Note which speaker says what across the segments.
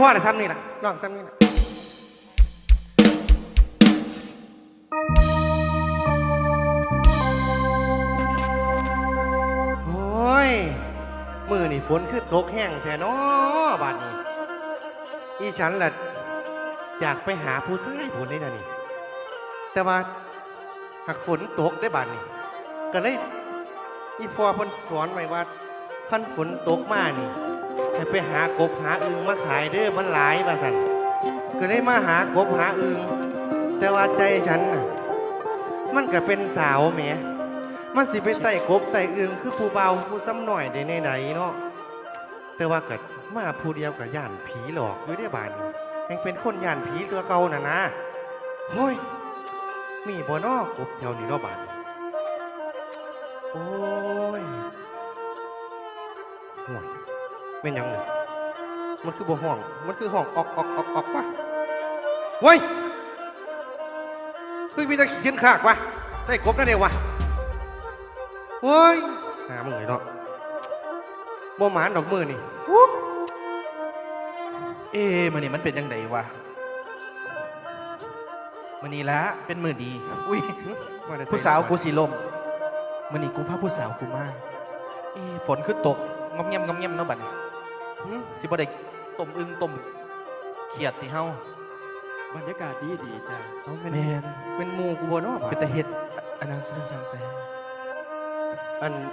Speaker 1: พ่อแต่ซ้ำนี่นะน้องซ้ำนี่นะโอ้ยมือนี่ฝนคือตกแห้งแท้น้อบาดนี้อีฉันล่ะอยากไปหาผู้ชายผลได้นะนี่แต่ว่าหากฝนตกได้บาดนี้ก็เลยอีพ่อเพิ่นสอนไว้ว่าคันฝนตกมานี่ให้ไปหากบหาอึ่งมาขายเด้อมันหลายว่าสั่นก็เลยมาหากบหาอึ่งแต่ว่าใจฉันน่ะมันก็เป็นสาวแหมมันสิไปไต่กบไต่อึ่งคือผู้เบาผู้ซ้ำหน่อยได้ไหนเนาะแต่ว่าก็มาผู้เดียวกับย่านผีหลอกอยู่ได้บานยังเป็นคนย่านผีตัวเก่าน่ะนะเฮ้ยมีบ่นอกบแถวนี้เนาะบานโอ้ยห่วงเป็นยังไงมันคือบ่ห้องมันคือห้องออกปะเว้ยคือมีตะเขียนขากวะได้กบนั่นเองวะเฮ้ยหามึงเลยเนาะบ่หมานดอกมือนี่
Speaker 2: มันนี่มันเป็นยังไงวะมันนี่ละเป็นมือดีอุ้ยผู้สาวกูสีลมมันนี่กูพาผู้สาวกูมาฝนขึ้นตกงอมเงียบเนาะบัดนี้สิบ่ได้ต้มอึ่งต้มเขียดที่เฮา
Speaker 3: บรรยากาศดีจ้า
Speaker 1: เอาเป็นหมูกูบ่เนาะ
Speaker 2: เป็นตะเฮ็ดอันนั้นสั่งใจ
Speaker 1: อัน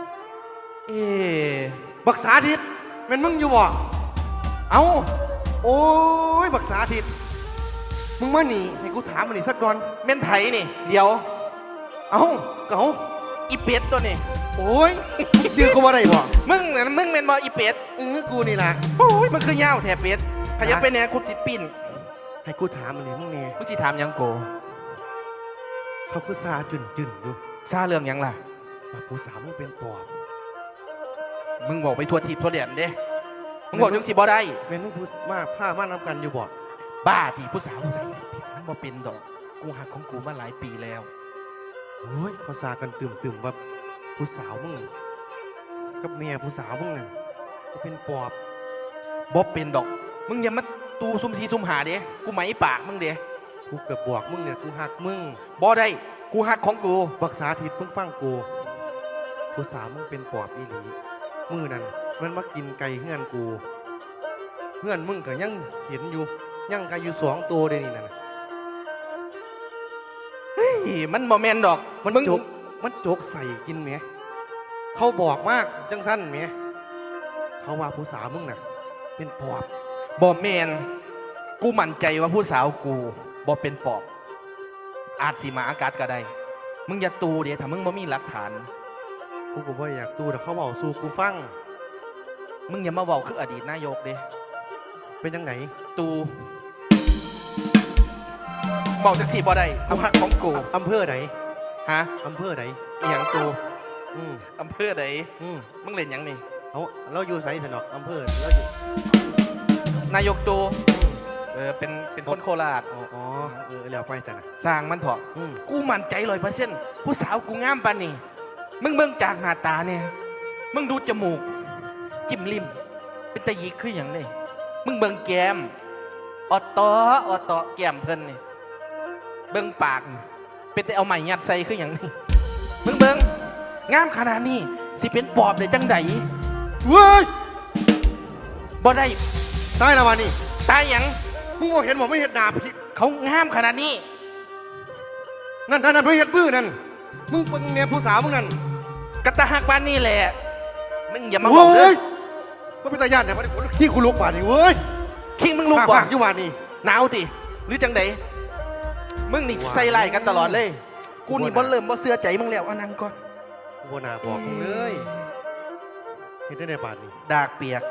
Speaker 1: บักษาทิศเป็นมึงอยู่บ่
Speaker 2: เอ้า
Speaker 1: โอ้ยบักษาทิศมึงมาหนีให้กูถามมันนี่สักก่อน
Speaker 2: เม่นไผนี่เดี๋ยวเอ้า
Speaker 1: เก๋า
Speaker 2: อีเป็ดตัวนี้
Speaker 1: โอ้ยเจอกูว่าไรบ่
Speaker 2: มึงเม่นบ่อีเป็ด
Speaker 1: กูนี่แหละ
Speaker 2: โอ้ยมันคือยาวแถบเป็ดขยับไปแน่กูจิปิ้น
Speaker 1: ให้กูถามมันนี่มึงเนี่ย
Speaker 2: มึงจิถามยังโก
Speaker 1: เขาคือซาจุนอยู่
Speaker 2: ซาเรื่องยังล่ะ
Speaker 1: ว่าผู้สาวมึงเป็นปอบ
Speaker 2: มึงบอกไปทัวร์ทีบทัวร์แดนเด้มึงบอกยังสิบ่ได้
Speaker 1: เป็นมึงผู้มาผ้ามานำกันอยู่บ่
Speaker 2: บ้าที่ผู้สาวใส่มันบ่เป็นดอกกูหักของกูมาหลายปีแล้ว
Speaker 1: โอ้ยเขาซากันตื่มว่าผู้สาวมึงกับเมียผู้สาวมึงนั่นเป็นปอบ
Speaker 2: บ่เป็นดอกมึงอย่ามาตูซุ่มซีซุ่มหาเด้กูไหมปากมึงเด้
Speaker 1: กูเกือบบอกมึงเนี่ยกูหักมึง
Speaker 2: บ่ได้กูหักของกู
Speaker 1: บักษาทิศเพิ่งฟังกูผู้สาวมึงเป็นปอบอีหลีมือนั่นมันมากินไก่เฮือนกูเฮือนมึงก็ยังเห็นอยู่ยังไก่อยู่2 ตัวเดี๋ยวนี้นั่น
Speaker 2: เฮ้ยมันบ่แม่นดอก
Speaker 1: มันจกใส่กินไหมเขาบอกมากจังสั้นไหมเขาว่าผู้สาวมึงน่ะเป็นปอบ
Speaker 2: บ่แม่นกูมั่นใจว่าผู้สาวกูบ่เป็นปอบอาจสิมาอากาศก็ได้มึงอย่าตูเดี๋ยวถ้ามึงบ่มีหลักฐาน
Speaker 1: กูก็บ่อยากตูแต่เขาบอกสู้กูฟัง
Speaker 2: มึงอย่ามาบอกคืออดีตนายกเด้
Speaker 1: เป็นยังไง
Speaker 2: ตูบอกจังสิบ่ได้กูหักของกู
Speaker 1: อำเภอไหน
Speaker 2: ฮะ
Speaker 1: อำเภอไหน
Speaker 2: อย่างตูอำเภอไหนมึงเล่นยังนี่
Speaker 1: เราอยู่ไสสนอกอำเภอเราอยู่
Speaker 2: นายกตูเป็นคนโคราช
Speaker 1: อ๋อแล้วไปจ้ะนะ
Speaker 2: สร้างมันเถอะกูมั่นใจ100%ผู้สาวกูงามปานนี่มึงเบิ่งจากหน้าตาเนี่ยมึงดูจมูกจิ้มลิ้มเป็นตะยิกคืออย่างนี้มึงเบิ่งแก้มออตอแก้มเพิ่นนี่เบิ่งปากเป็นแต่เอาไม้ยัดใส่คืออย่างนี้มึงเบิ่งงามขนาดนี้สิเป็นปอบได้จังใด
Speaker 1: เว้ย
Speaker 2: บ่ได้
Speaker 1: ตายแล้ววันนี้
Speaker 2: ตายยัง
Speaker 1: มึงเห็นบอกไม่เห็นหนาพี่
Speaker 2: เขางามขนาดนี้
Speaker 1: นั่นไม่เห็นบื้อนั่นมึงเป็นเนี่ยผู้สาวมึงนั่น
Speaker 2: กระตาหักบ้านนี่แหละมึงอย่ามาบอกเลย
Speaker 1: ว่าเป็นตาญาติเนี่ยขี้กูลุกบาดนี่เว้ย
Speaker 2: ขี้มึงลุกบ่
Speaker 1: อยู่บาดนี่
Speaker 2: หนาวติหรือจังไดมึงนี่ใส่ไล่กันตลอดเลยกูนี่บ่เริ่มบ่เชื่อใจมึงแล้วนั่งก่อน
Speaker 1: กูบ่น่าบอกมึงเลยเห็นได้ในบาดนี่
Speaker 2: ดากเปียก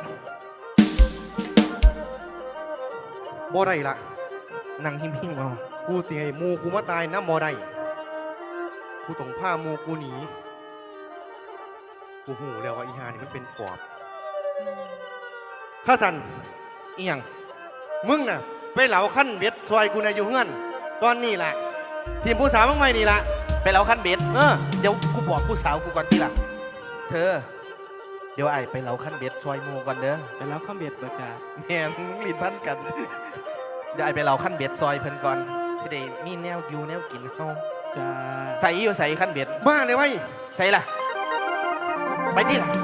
Speaker 1: บ่ได้ละ
Speaker 2: นั่งหิ้งๆเอา
Speaker 1: กูสิให้มูกูมาตายนะบ่ได้กูต้องพามูกูหนีกูหูแล้วว่าอีหานี่มันเป็นปอบข้าสัน
Speaker 2: อีหยัง
Speaker 1: มึงน่ะไปเหลาขั้นเบ็ดซอยกูในอยู่เฮือนตอนนี้แหละทีมผู้สาวมึงไม่นี่ละ
Speaker 2: ไปเหลาขั้นเบ็ดเดี๋ยวกูบอกผู้สาวกูก่อนทีหลังเธอเดี๋ยวไอ้ไปเหลาขั้นเบ็ดซอยหมูก่อนเด้อ
Speaker 3: ไปแล้วข้ามเบ็ดบ่จ้า
Speaker 2: แม่งลิ้นพันกัน เดี๋ยวไอ้ไปเหลาขั้นเบ็ดซอยเพิ่นก่อนสิได้มีแนวอยู่แนวกินเฮา
Speaker 3: จ้า
Speaker 2: ใส่อยู่ใส่ขั้นเบ็ด
Speaker 1: บ้าเลยไว้ย
Speaker 2: ใส่ล่ะไปที่ล่ะ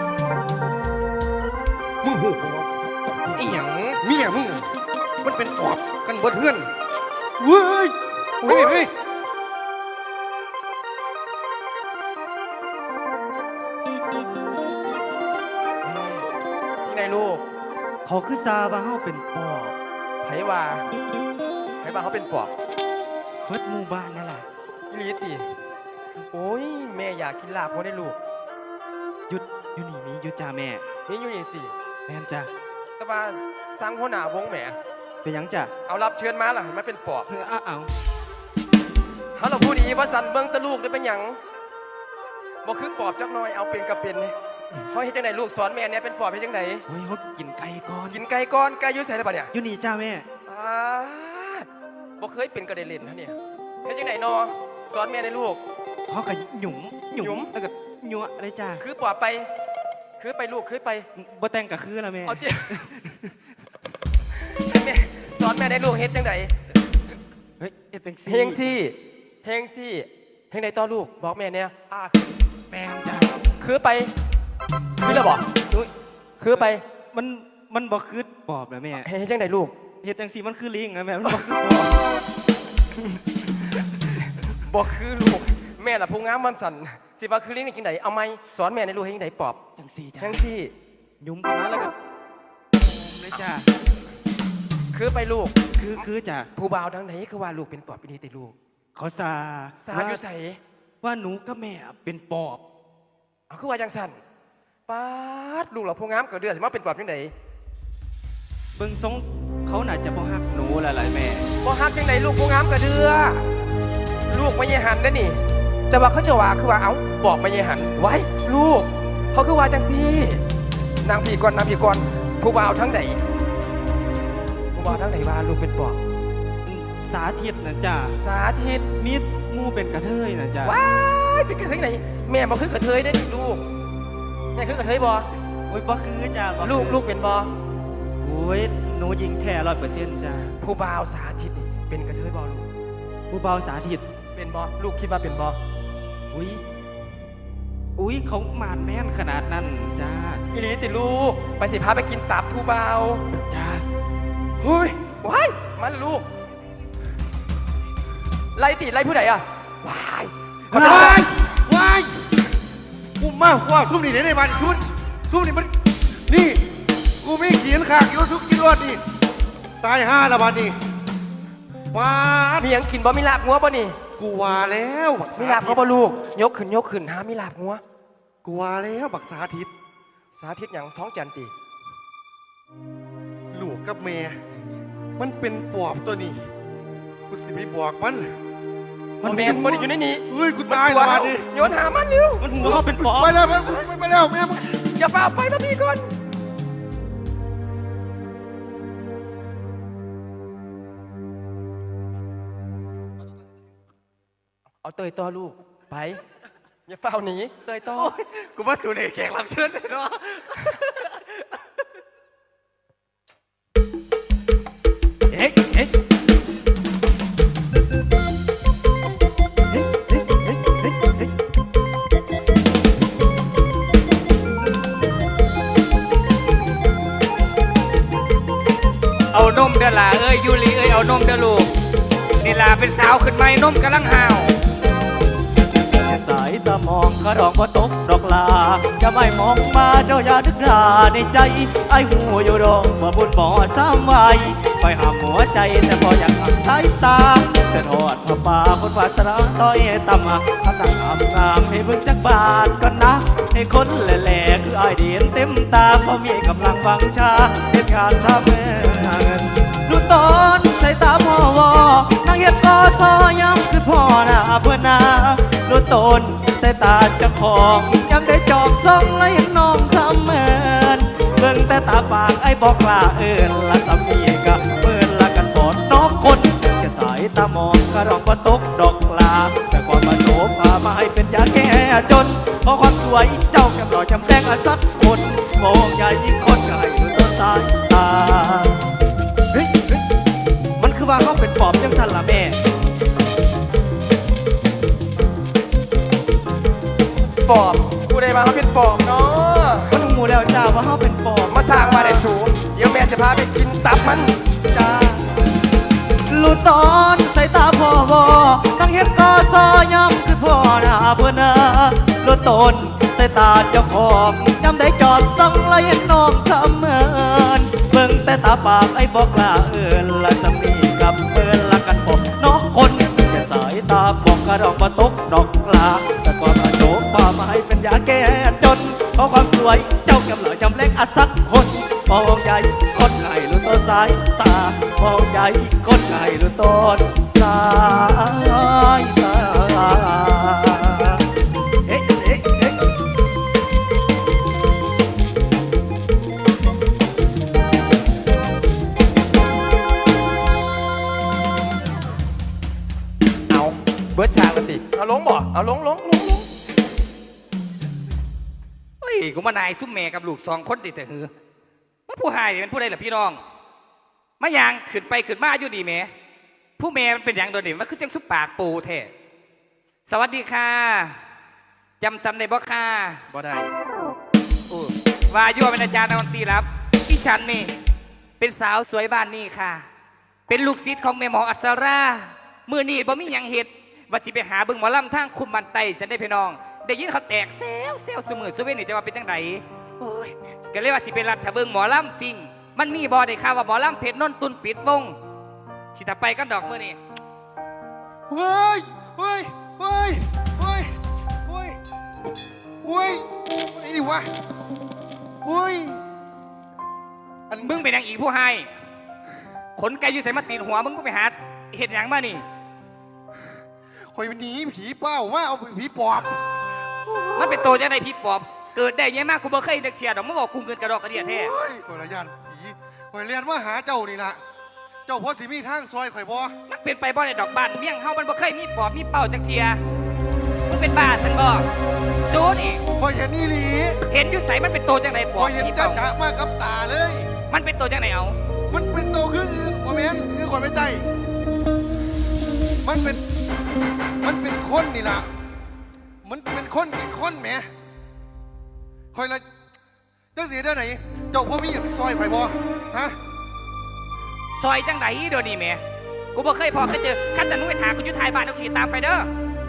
Speaker 1: มึงหูปอบ
Speaker 2: อีหยัง
Speaker 1: เมียมึงมันเป็นปอบกันเบิดเฮือนเว้ยเฮ้ยเฮ้ย
Speaker 2: ที่ไหนลูก
Speaker 3: เขาคือซาว่าเฮาเป็นปอบ
Speaker 2: ไผว่าเขาเป็นปอบ
Speaker 3: เบิดหมู่บ้านนั่นล่ะ
Speaker 2: ลีติโอ้ยแม่อยากกินลาบบ่ได้ลูก
Speaker 3: หยุดอยู่นี่มีอยู่จ้าแม่
Speaker 2: นี่อยู่นี่ติ
Speaker 3: แม่นจ้า
Speaker 2: แต่ว่าสร้างหัวหน้าวงแหม
Speaker 3: เป็นหยังจ้า
Speaker 2: เอารับเชิญมาล่ะให้มาเป็นปอบ
Speaker 3: เอา
Speaker 2: ฮัลโหลพูดดีว่าสันเบิ่งแตะลูกได้เป็นหยังบ่คือปอบจักหน่อยเอาเป็นกับเป็นนี่เฮาเฮ็ดจังไดลูกสอนแม่เนี่ยเป็นปอบเฮ็ดจังได
Speaker 3: โอ้ยเขากินไก่ก่อน
Speaker 2: กินไก่ก่อนไก่อยู่ไสแล้วบัดเนี่ย
Speaker 3: อยู่นี่จ้าแม่
Speaker 2: อ้าดบ่เคยเป็นกระเด็นเล่นนะเนี่ยเฮ็ดจังไดนอสอนแม่ได้ลูก
Speaker 3: เขาก็หยุม
Speaker 2: หยุม
Speaker 3: แล้วก็ยัวเลยจ้า
Speaker 2: คือปอบไป คือไปลูกคือไป
Speaker 3: บ่แต่งก็คือละแม่
Speaker 2: เอาเจ้ แม่สอนแม่ได้ลูกเฮ็ดจังได
Speaker 3: เฮ้ยเอ็ดจังซี่
Speaker 2: เฮงซี่เฮงซี่เฮงใดต่อลูกบอกแม่เนี่ย
Speaker 3: แม่นจ้า
Speaker 2: คือไป คือแล้วบอก
Speaker 3: อุ้ย
Speaker 2: คือไป
Speaker 3: มันบ่คือปอบนะแม่
Speaker 2: เฮ็ดจังไดลูก
Speaker 3: เฮ็ดจังซี่มันคือลิงนะแม่มันบ่คือปอบ
Speaker 2: บอกคือลูกแม่ล่ะผู้งามมันสั่นสิว่าคือลิงนี่กินไหนเอาไหมสอนแม่ในลูกให้ยังไงปอบ
Speaker 3: จังซี่จ้า
Speaker 2: เฮงซี่
Speaker 3: หยุมกันมาแล้วก็เลยจ้า
Speaker 2: คือไปลูก
Speaker 3: คือจ้า
Speaker 2: ผู้บ่าวทางไหนคือว่าลูกเป็นปอบปีนี้ติลูก
Speaker 3: เขาซา
Speaker 2: สาอยู่ใส่
Speaker 3: ว่าหนูกับแม่เป็นปอบ
Speaker 2: เอาคือว่าจังสั่นป๊าดลูกเราผู้งามเกิดเดือดสิมาเป็นปอบจังได
Speaker 3: เบิ่งทรงเขาน่าจะบ่ฮักหนูแล้วล่ะแม่
Speaker 2: บ่ฮักจังไดลูกผู้งามเกิดเดือลูกไม่ยหันได้อนี่ แต่ว่าเขาจะว่าคือว่าเอ้าบอกไม่ยหันไว้ลูก เขาคือว่าจังซี่นางพี่ก่อนนางพี่ก่อนผู้บ่าวทั้งไหนผู้บ่าวทั้งไหนว่าลูกเป็นปอบ
Speaker 3: สาธิตนะจ้า
Speaker 2: สาธิต
Speaker 3: มีหมู่เป็นกระเทยนะจ้า
Speaker 2: ว้ายเป็นกระเทยไหนแม่บ่คือกระเทยได้ดิลูกแม่คือกระเทยบ่
Speaker 3: โอ้ยบ่คือจ้าบ่คือ
Speaker 2: ลูกเป็นบ่
Speaker 3: โอ้ยหนูยิงแท้100%จ้า
Speaker 2: ผู้บ่าวสาธิตนี่เป็นกระเทยบ่ลูก
Speaker 3: ผู้เบาสาธิต
Speaker 2: เป็นบ่ลูกคิดว่าเป็นบ่
Speaker 3: อุ้ยเขามานแม่นขนาดนั้นจ้า
Speaker 2: อีหลีติลูกไปสิพาไปกินตับผู้บ่าว
Speaker 3: จ้า
Speaker 1: เฮ้ย
Speaker 2: ว้ายมันลูกไล่ติไล่ผู้ใดอ่ะว้าย
Speaker 1: ว้ายว้ายกูมาว่าซุ่มนี่ไหนในบ้านชุดซุ่มนี่มันนี่กูไม่เขียนขากอยู่ทุกกิโลนี่ตายห้าละบ้านนี่ป้าด
Speaker 2: มีหยังกินบ่มีลาบงัวบ่นี่
Speaker 1: กูว่าแล้วบัก
Speaker 2: มี
Speaker 1: สา
Speaker 2: ลาบ
Speaker 1: ธิ
Speaker 2: เขา
Speaker 1: ต
Speaker 2: บ่ลูกยกขึ้นหามีลาบงัว
Speaker 1: กูว่าแล้วบักสาธิต
Speaker 2: สาธิตหยังท้องจันติ
Speaker 1: ลูกกับแม่มันเป็นปอบตัวนี้กูสิไปบอกมัน
Speaker 2: มันแมนบ่ได้อยู่ในนี้
Speaker 1: เฮ้ยกูตายละบ้านนี่
Speaker 2: โยนหามันเร็ว
Speaker 3: มันหัวเขาเป็นปอบ
Speaker 1: ไปแล้วไปแล้วแม่มึง
Speaker 2: อย่าฝ่าไปนะพี่ก่อนเอาเตยต่อลูกไปอย่าฝ่าหนีเตยต่อ
Speaker 3: กูว่าสูนย์แขกรับเชิญเลยเนาะ เอ๊ะเอ๊ะเอานมเด้อล่ะเอ้ยยูริเอ้ยเอานมเด้อลูกนี่ล่ะเป็นสาวขึ้นไหมนมกำลังห่าวสายตามองกระดองว่าตกดอกลาจะไม่มองมาเจ้าอย่าดึกดาในใจไอ้หูอยู่ดองว่าบุญบ่อซ้ำไว้ไปหาหัวใจแต่พออยากหักสายตาเส้นหอดผ้าป่าคนวาสนาต้อยต่ำทำต่างงามให้เบิ่งจักบาทก่อนนะให้คนแหล่ๆคือไอเดียนเต็มตาพอมีกำลังวังชาเหตุการณ์ทำเงินดูตอนใส่ตาพ่อวอนางเฮ็ดก็ซอย้ำคือพ่อหน้าเพื่อนนาดูตนใส่ตาเจ้าของยังได้จอบส่องและเห็นน้องทำเหมือนเบิ่งแต่ตาปากไอ้บอกลาเอินละสามีกับเปินละกันบอดน้องคนแค่สายตามองกระรองก็ตกดอกลาแต่ความมาโสภามาให้เป็นยาแก้จนเพราะความสวยเจ้าแก้มหล่อจำแดงสักคนมองใหญ่ยิ่งคนก็ให้รู้ตัวสายตาเฮ้ยมันคือว่าเขาเป็นปอบยังสั่นละแม่
Speaker 4: ปอบกูได้มาเขาเป็นปอบเนาะ
Speaker 3: มันหูแล้วจ้าว่าเขาเป็นปอบ
Speaker 4: มาสร้างมาได้สูงเดี๋ยวแม่จะพาไปกินตับมัน
Speaker 3: จ้าลูตอนใส่ตาพ่อวอนั่งเห็นกอซอย่ำคือพ่อหน้าเพื่อนนะลูตนใส่ตาเจ้าของย้ำได้จอดส่องไล่น้องทำเมินเบิ่งแต่ตาปากไอ้บอกลาละสามีกับเอินละกันบอกน้องคนแต่สายตาบอกกระดองมาตกดอกลาแต่ความอาโศกความหมายเป็นยาแก้จนเพราะความสวยเจ้าแก้มหล่อจำเล็กอาสักคนมองใหญ่คนไงรู้ตัวสายตามองใหญ่คนไงรู้ต้นสายตาเอ๊ะเอ๊ะเอ๊ะ
Speaker 4: เอาเบิร์ดฉากกันติเอาลงบ่เอาลง
Speaker 5: เฮ้ยกูมานายซุ่มแม่กับลูก2 คนติดแต่หือว่าผู้หายนี่มันผู้ใดล่ะพี่น้องมายางขึ้นไปขึ้นมาอยู่ดีแหม่ผู้แม่มันเป็นอย่างโดดเด่นมันคือจังซุปปากปูแท้สวัสดีค่ะจำได้บ่ค่ะ
Speaker 4: บ่ได้
Speaker 5: ว่าอยู่ว่าเป็นอาจารย์ดนตรีรับที่ฉันนี่เป็นสาวสวยบ้านนี่ค่ะ เป็นลูกศิษย์ของแม่หมออัศรามือนี่บ่มีหยังเฮ็ดว่าสิไปหาเบิ่งหมอลำทางคุมบันไตฉันได้พี่น้องได้ยินเขาแตกเซลสมือสุเวนนี่จะว่าเป็นจังไดโอ้ยก็เลยว่าสิไปรัดถ้าเบิ่งหมอลำซิ่งมันมีบ่ได้ข่าวว่าหมอลำเพชรนนท์ตุนปิดวงสิถ้าไปก็ดอกมือนี่
Speaker 1: เฮ้ยเฮ้ยเฮ้ยเฮ้ยเฮ้ยเฮ้ยไอ้นี่วะเฮ้ยอัน
Speaker 5: มึงเป็นหยังอีกผู้ให้ขนไก่อยู่ใส่มาตีนหัวมึงก็ไปหาเห็ดหยังมานี่
Speaker 1: คอยหนีผีเป้าว่าเอาผีปอบ
Speaker 5: มันเป็นโตจังไดพี่ปอบเกิดได้ยังมากกูบ่เคยเด็กเทียดอกมึงบอกกูเงินกระดอกกระเดียแท้
Speaker 1: เฮ้ยคอยละยันผีคอยเรียนว่าหาเจ้านี่ละเจ้าพ่อสิมีทางซอยข่อยบ่
Speaker 5: มันเป็นไปบ่ได้ดอกบ้านเมี่ยงเฮามันบ่เคยมีปอบมีเป่าจักเทียมึงเป็นบ้าสันบ่สู้นี่
Speaker 1: คอยเห็นนี่หลี
Speaker 5: เห็นอยู่ใสมันเป็นโตจังไดป
Speaker 1: ค
Speaker 5: อ
Speaker 1: อบ ยเห็น
Speaker 5: มี
Speaker 1: จ้า
Speaker 5: เป่า
Speaker 1: จ๋ามากกับตาเลย
Speaker 5: มันเป็นโตจังไดเอา
Speaker 1: มันเป็นโตคืออึ่งโอเมนอึ่งก่อนไปไตมันเป็นคนนี่ล่ะมันเป็นคนกินคนแหมคอยละเจ้าเสียได้ไหนเจ้าพ่อมีอย่างซอยข่อยบ่ฮะ
Speaker 5: ซอยจังไดเดี๋ยวนี้แหม่กูบ่เคยพอเคยเจอคันจะมึงไปถามกูอยู่ท้ายบ้านเอาขี่ตามไปเด้อ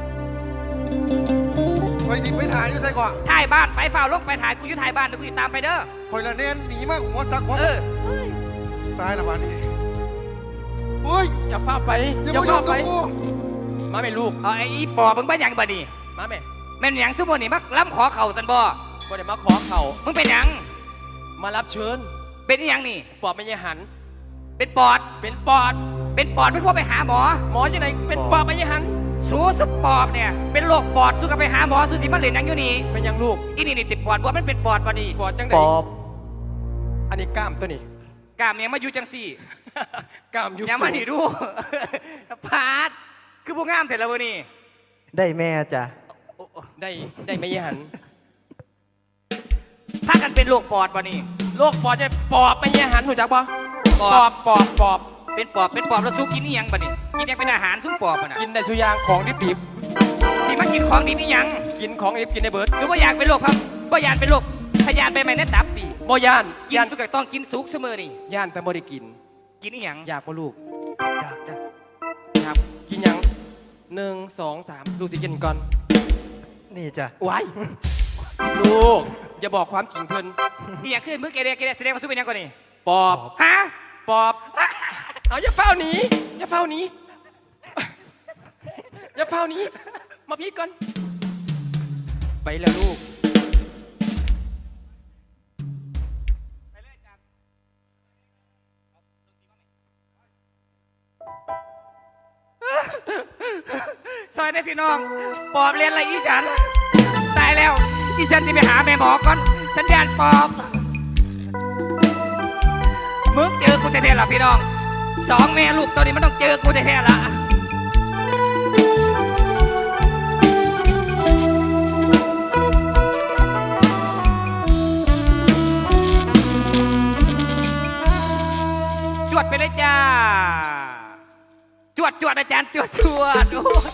Speaker 1: คอยสิไปถ่ายอยู่ใส่ก่อน
Speaker 5: ท้ายบ้านไปฝ่าลงไปถ่ายกูอยู่ท้ายบ้านเอาขี่ตามไปเด้อ
Speaker 1: คอยละเน้นหนีมากหัวซักหัว
Speaker 5: เออ
Speaker 1: ตายละบ้านนี้โอ้ย
Speaker 4: จะฟ้าไป
Speaker 1: อย่า
Speaker 4: จะ
Speaker 1: มายุ่
Speaker 4: ฟ้าง ไป
Speaker 1: กับกู
Speaker 4: มาแม่ลูก
Speaker 5: เอาไอ้อีปอบมึงบ้าหยังบ่นี่
Speaker 4: มาแม่
Speaker 5: แม่นหยังซุมื้อนี่มักล้ำขอเข่าสันบ่
Speaker 4: บ่ได้มาขอเข่า
Speaker 5: มึงเป็นหยัง
Speaker 4: มารับเชิญ
Speaker 5: เป็นอีหยังนี่
Speaker 4: ปอบไม่ยหัน
Speaker 5: เป็นปอด
Speaker 4: เป็นปอด
Speaker 5: เป็นปอดไม่พอไปหาหมอ
Speaker 4: หมอยังไงเป็นปอบไม่ยหัน
Speaker 5: สู้สุปอบเนี่ย เป็นโรคปอดสู้กับไปหาหมอสู้สิมาเล่นหยังอยู่นี่
Speaker 4: เป็นยังลูก
Speaker 5: อีนี่ติดปอดบ่มันเป็นปอดบ่นี่
Speaker 4: ปอดจังได
Speaker 3: ปอบ
Speaker 4: อันนี้กล้ามตัวนี้
Speaker 5: กล้ามเนี่ยมาอยู่จังสี่
Speaker 4: กล้ามอยู่
Speaker 5: อย่า
Speaker 4: สู
Speaker 5: มาง นี่ดู พาดคือบ่งามเสร็จแล้วบ่นี่
Speaker 3: ได้แม่จ้ะ
Speaker 4: ได้ไม่ยหัน
Speaker 5: พากันเป็นโรคปอดบ่นี่
Speaker 4: โรคปอดจะปอบไม่ยหันหูจักปะ
Speaker 5: ป
Speaker 4: ป
Speaker 5: อ
Speaker 4: อ
Speaker 5: ด
Speaker 4: บปอบปอบ
Speaker 5: เป็นปอบแล้วสู้กินอีหยังบ่นี่กินยังเป็นอาหารสู้ปอบบ่น่ะ
Speaker 4: กินได้สุอยางของดิบ
Speaker 5: สิมากินของดีนี่หยัง
Speaker 4: ๆกินของดิบกินได้เบิร์ด
Speaker 5: สู้บ่อยากเป็นโรคพับบ่อยากเป็นโรคพยาธิใบไม้ในตับติ
Speaker 4: บ่ย่าน
Speaker 5: กิน
Speaker 4: ย่าน
Speaker 5: สุกก็ต้องกินสุกเสมอนี่
Speaker 4: ย่านแต่บ่ได้กิน
Speaker 5: กินอีหยัง
Speaker 4: อยากบ่ลูก
Speaker 3: จ้ะจ้ะ
Speaker 5: ครับ
Speaker 4: กินยัง1 2 3ลูกสิกินก่อน
Speaker 3: นี่จ้ะ
Speaker 4: ไว้ลูกอย่าบอกความจริงเพิ่น
Speaker 5: อีหยังคือมือเกเรแสดงว่าสู้เป็นหยังก่อนนี่
Speaker 4: ปอบ
Speaker 5: ฮะ
Speaker 4: ปอบ เอาอย่าเฝ้าหนีอย่าเฝ้าหนีอย่าเฝ้าหนีมาพี่ก่อน ไปแล้วลูก
Speaker 5: ซอยได้พี่น้องปอบเรียนอะไรอีฉันตายแล้วอีฉันจะไปหาแม่หมอก่อนฉันยานปอบมึงเจอกูแท้ๆล่ะพี่น้อง2 แม่ลูกตัวนี้มันต้องเจอกูแท้ๆล่ะดอาจารย์จวดจวดโอ้ย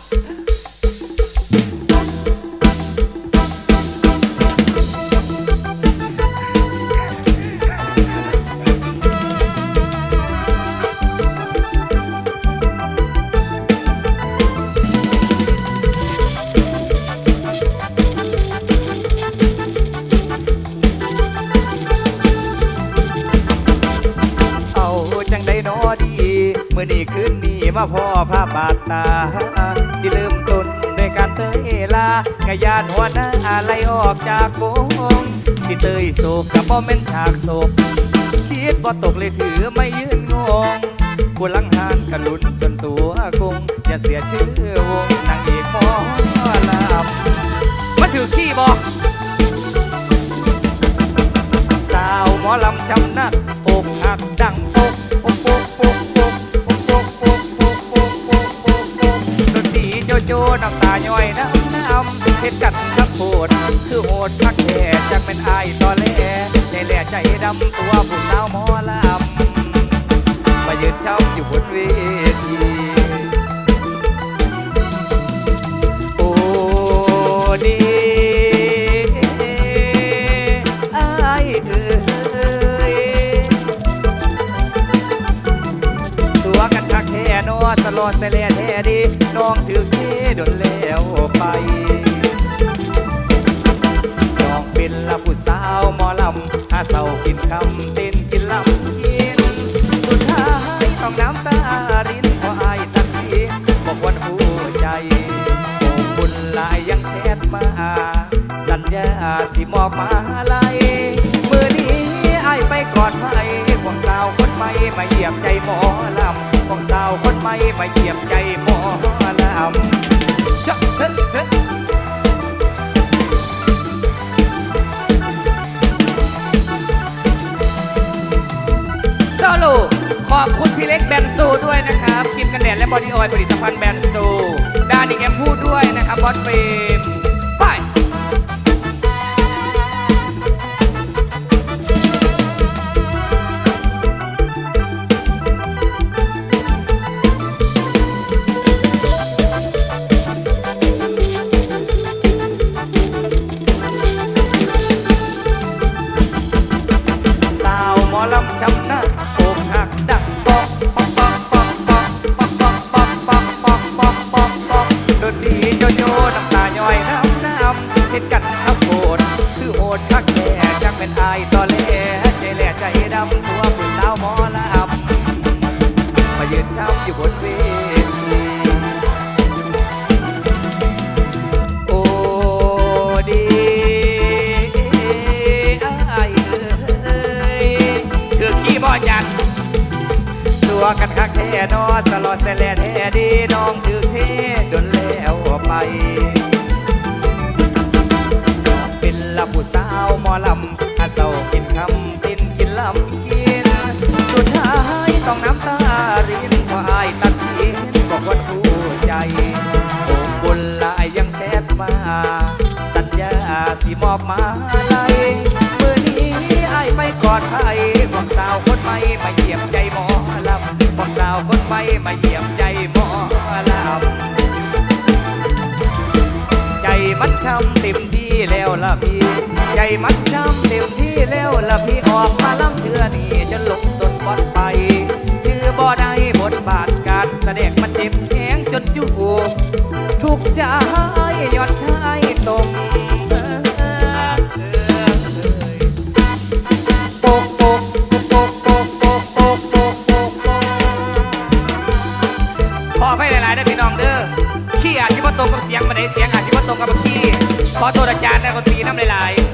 Speaker 5: เอาจังได้นอดีเมื่อนี้คืนนี้มาพ่อภาพบาดตา สิเริ่มต้นด้วยการเตยลากะยานหัวหน้าไล่ออกจากวงสิเตยโศกกับบ่แม่นฉากโศกคิดบ่ตกเลยถือไม่ยืนงงกูลังหานกันลุ้นจนตัวกงอย่าเสียชื่อวงนางเอกหมอลำมาถือขี้บอกสาวหมอลำชำนักอกหักดังปกปกปกปกปกปกปกปกปกปกปกปกปกดนตรีโจโจน้ำตาย่อยน้ำเฮ็ดกันทับโหดคือโหดพักแห่จักเป็นอายตอแหลใจแหล่ใจดำตัวผู้สาวหมอลำมายืนช้ำอยู่บนเวทีโอ้ดีอายเอ้ยตัวกันทักแค่นอสลอดใส่แล่แท้ดีน้องถือเทโดนแล้วไปน้องเป็นละผู้สาวหมอลำหาเศร้ากินคำเต้นกินลำกินสุดท้ายต้องน้ำตารินเพราะอายตัดสินบอกวันหัวใจโอ้บุญหลายยังแชทมาสัญญาสิมอบมาลัยมือนี้อายไปกอดไว้ของสาวคนใหม่มาเหยียบใจหมอลำของสาวคนใหม่มาเหยียบใจหมอลำจ๊ะเฮ้เฮ้โซโลขอบคุณพี่เล็กแบนโซด้วยนะครับครีมกันแดดและบอดี้ออยล์ผลิตภัณฑ์แบนโซดานิกแอมพูด้วยนะครับบอสเฟรมไปลำช้ำหน้าอกหักดังปอกปอกปอกปอกปอกปอกปอกปอกปอกปอกปอกปอกปอกดนตรีโจโจน้ำตาย่อยน้ำเห็นกันทับโหดคือโหดคักแก่จังเป็นอายตอแหลใจแหล่ใจดำตัวผู้สาวหมอลำมายืนช้ำอยู่บนเวทีโอ้ดีบ่จัดตัวกันคักแท้นอตลอดแสลนแท้ดีน้องถือเทจนแล้วไปน้องเป็นละผู้สาวหมอลำหาเศร้ากินคำตินกินลำกินสุดท้ายต้องน้ำตารินเพราะอายตัดสินบอกว่าถูกใจโอ้บุญหลายยังแชทมาสัญญาสิมอบมาลัยมือนี้อายไปกอดไผ่บอกสาวคนใหม่มาเหยียบใจหมอลำบอกสาวคนใหม่มาเหยียบใจหมอลำใจมันช้ำเต็มที่แล้วล่ะพี่ใจมันช้ำเต็มที่แล้วล่ะพี่ออกมาลำเทือนี่จะหลงสนบอดไปคือบ่ได้บทบาทการแสดงมันเจ็บแข็งจนจูบทุกใจยอดชายตมขอให้หลายๆได้พี่น้องเด้อขี้อาจจะว่าตรงกับเสียงมาไหนเสียงอาจจะว่าตรงกับขี้ขอโทษอาจารย์นะคนตีน้ำหลายๆ